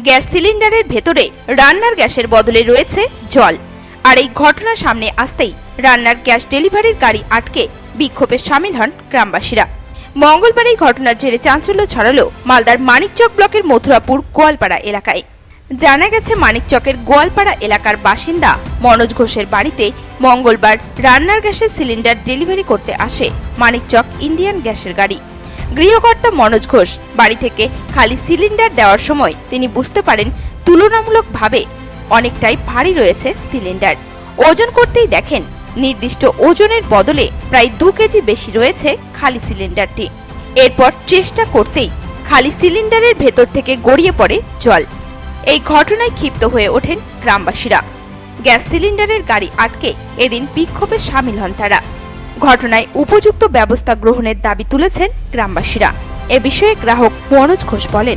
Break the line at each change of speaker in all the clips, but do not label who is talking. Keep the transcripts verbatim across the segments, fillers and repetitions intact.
Gas সিলিন্ডারের ভেতরে রান্নার গ্যাসের বদলে রয়েছে জল। আর এই ঘটনা সামনে আসতেই রান্নার গ্যাস ডেলিভারির গাড়ি আটকে বিক্ষোভে সামিল হন গ্রামবাসীরা। মঙ্গলবার এই ঘটনার জেরে চাঞ্চল্য ছড়ালো মালদার মানিকচক ব্লকের মথুরাপুর গোয়ালপাড়া এলাকায়। জানা গেছে, মানিকচকের গোয়ালপাড়া এলাকার বাসিন্দা মনোজ ঘোষের বাড়িতে মঙ্গলবার রান্নার গ্যাসের সিলিন্ডার ডেলিভারি করতে আসে মানিকচক ইন্ডিয়ান গ্যাসের গাড়ি। গৃহকর্তা মনোজ ঘোষ বাড়ি থেকে খালি সিলিন্ডার দেওয়ার সময় তিনি বুঝতে পারেন তুলনামূলকভাবে অনেকটাই ভারী রয়েছে সিলিন্ডার। ওজন করতেই দেখেন নির্দিষ্ট ওজনের বদলে প্রায় দু কেজি বেশি রয়েছে খালি সিলিন্ডারটি। এরপর চেষ্টা করতেই খালি সিলিন্ডারের ভেতর থেকে গড়িয়ে পড়ে জল। এই ঘটনায় ক্ষিপ্ত হয়ে ওঠেন গ্রামবাসীরা। গ্যাস সিলিন্ডারের গাড়ি আটকে এদিন বিক্ষোভে সামিল হন তারা। ঘটনায় উপযুক্ত ব্যবস্থা গ্রহণের দাবি তুলেছেন গ্রামবাসীরা। এ বিষয়ে গ্রাহক মনোজ ঘোষ বলেন,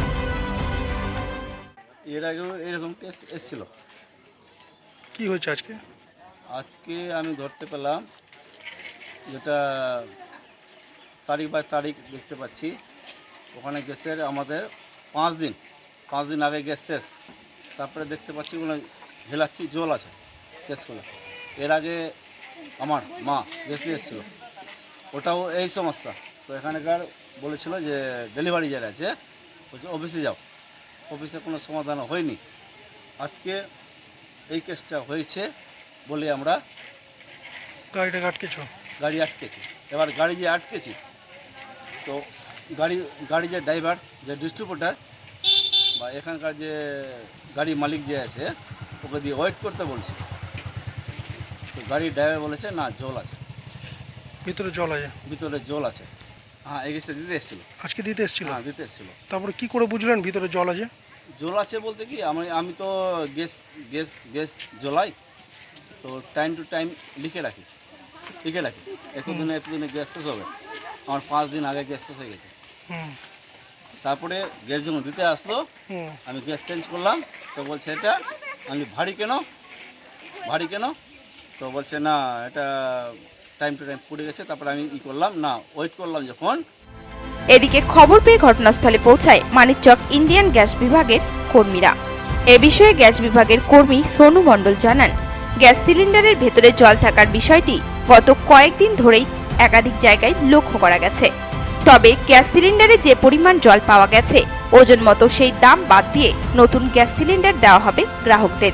এর আগেও এরকম কেস এসেছিল।
কি হয়েছে আজকে?
আজকে আমি ধরতে পেলাম, যেটা তারিখ বাই তারিখ দেখতে পাচ্ছি, ওখানে গ্যাসের আমাদের পাঁচ দিন পাঁচ দিন আগে গ্যাস শেষ। তারপরে দেখতে পাচ্ছি ওগুলো ঝেলাচ্ছি, জল আছে গ্যাসগুলো। এর আগে আমার মা গ্যাস দিয়ে এসেছিলো, ওটাও এই সমস্যা। তো এখানকার বলেছিল যে ডেলিভারি যারা আছে বলছে অফিসে যাও, অফিসে কোনো সমাধান হয়নি। আজকে এই কেসটা হয়েছে বলে আমরা
গাড়িটা আটকেছ?
গাড়ি আটকেছি। এবার গাড়ি যে আটকেছি, তো গাড়ি গাড়ি যে ড্রাইভার, যে ডিস্ট্রিবিউটার বা এখানকার যে গাড়ি মালিক যে আছে, ওকে দিয়ে ওয়েট করতে বলছে। তো গাড়ির ড্রাইভার বলেছে না, জল আছে
ভিতরে, জল আছে
ভিতরে, জল আছে। হ্যাঁ, এই গ্যাসটা দিতে এসেছিলো।
আজকে দিতে এসেছিল?
হ্যাঁ, দিতে এসেছিলো।
তারপরে কি করে বুঝলেন ভিতরে জল আছে?
জল আছে বলতে কি, আমি আমি তো গ্যাস গ্যাস গ্যাস জ্বলাই, তো টাইম টু টাইম লিখে রাখি লিখে রাখি এতদিনে এতদিনে গ্যাস শেষ হবে। আমার পাঁচ দিন আগে গ্যাস শেষ হয়ে গেছে।
হুম।
তারপরে গ্যাস যখন দিতে আসলো,
হুম।
আমি গ্যাস চেঞ্জ করলাম। তো বলছে এটা আমি ভারী কেন ভারী কেন তো বলছে না, এটা টাইম টু টাইম পড়ে গেছে। তারপরে আমি ই করলাম না, ওয়েট করলাম যখন।
এদিকে খবর পেয়ে ঘটনাস্থলে পৌঁছায় মানিকচক ইন্ডিয়ান গ্যাস বিভাগের কর্মীরা। এ বিষয়ে গ্যাস বিভাগের কর্মী সোনু মণ্ডল জানান, গ্যাস সিলিন্ডারের ভেতরে জল থাকার বিষয়টি গত কয়েকদিন ধরেই একাধিক জায়গায় লক্ষ্য করা গেছে। তবে গ্যাস সিলিন্ডারে যে পরিমাণ জল পাওয়া গেছে, ওজন মতো সেই দাম বাদ দিয়ে নতুন গ্যাস সিলিন্ডার দেওয়া হবে গ্রাহকদের।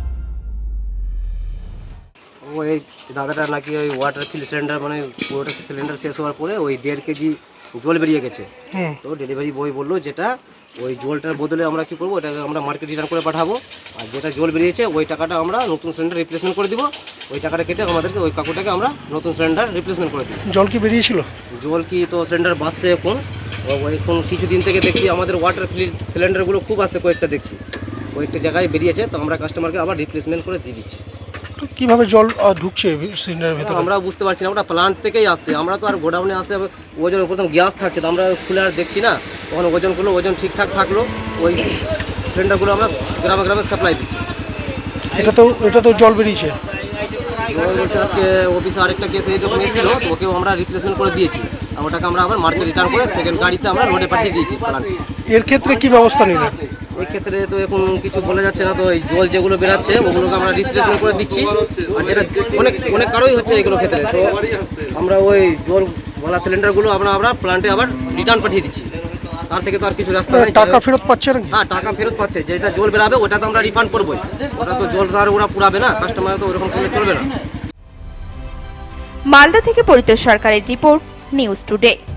ওই দাদাটা নাকি ওই ওয়াটার ফিল সিলিন্ডার, মানে পুরোটা সিলিন্ডার শেষ হওয়ার পরে ওই দেড় কেজি জল বেরিয়ে গেছে। তো ডেলিভারি বয় বললো যেটা ওই জলটার বদলে আমরা কি করবো, ওটাকে আমরা মার্কেট রিটার্ন করে পাঠাবো। আর যেটা জল বেরিয়েছে ওই টাকাটা আমরা নতুন সিলিন্ডার রিপ্লেসমেন্ট করে দিব। ওই টাকাটা কেটে আমাদেরকে ওই কাকুটাকে আমরা নতুন সিলিন্ডার রিপ্লেসমেন্ট করে দিব।
জল কি বেরিয়েছিল?
জল কি তো সিলিন্ডার বাসছে এখন। এখন কিছুদিন থেকে দেখছি আমাদের ওয়াটার ফিল সিলিন্ডারগুলো খুব আসে, কয়েকটা দেখছি কয়েকটা জায়গায় বেরিয়েছে। তো আমরা কাস্টমারকে আবার রিপ্লেসমেন্ট করে দিয়ে দিচ্ছি।
কিভাবে জল ঢুকছে সিলিন্ডারের ভেতরে
আমরা বুঝতে পারছি না, ওটা প্লান্ট থেকেই আসছে। আমরা তো আর গোডাউনে আসে ওজন প্রথম গ্যাস থাকছে, তো আমরা খুলে আর দেখছি না। তখন ওজন করলো, ওজন ঠিকঠাক থাকলো, ওই সিলিন্ডারগুলো আমরা গ্রামে গ্রামে সাপ্লাই দিচ্ছি।
এটা তো এটা তো জল বেরিয়েছে।
জল বলতে আজকে অফিসে আরেকটা কেস এই যখন এসেছিল, তো ওকেও আমরা রিপ্লেসমেন্ট করে দিয়েছি। আর ওটাকে আমরা আবার মার্কেট রিটার্ন করে সেকেন্ড গাড়িতে আমরা লোডে পাঠিয়ে দিয়েছি প্লান্ট।
এর ক্ষেত্রে কি ব্যবস্থা নিলেন?
ওই ক্ষেত্রে তো এখন কিছু বলা যাচ্ছে না। তো এই জল যেগুলো বেরাচ্ছে ওগুলোকে আমরা রিপ্লেসমেন্ট করে দিচ্ছি। আর যেটা অনেক অনেক কারোই হচ্ছে এগুলো ক্ষেত্রে, তো আমরা ওই জল বলা সিলিন্ডারগুলো আমরা আমরা প্লান্টে আবার রিটার্ন পাঠিয়ে দিচ্ছি। তার থেকে তো আর কিছু রাস্তা নেই।
টাকা ফেরত পাচ্ছে না?
হ্যাঁ, টাকা ফেরত পাচ্ছে। যেটা জল বেরাবে ওটা তো আমরা রিফান্ড করবোই। ওটা তো জল আর ওরা পুরাবে না, কাস্টমার তো ওরকম করলে চলবে না।
মালদা থেকে পরিতোষ সরকারের রিপোর্ট, নিউজ টুডে।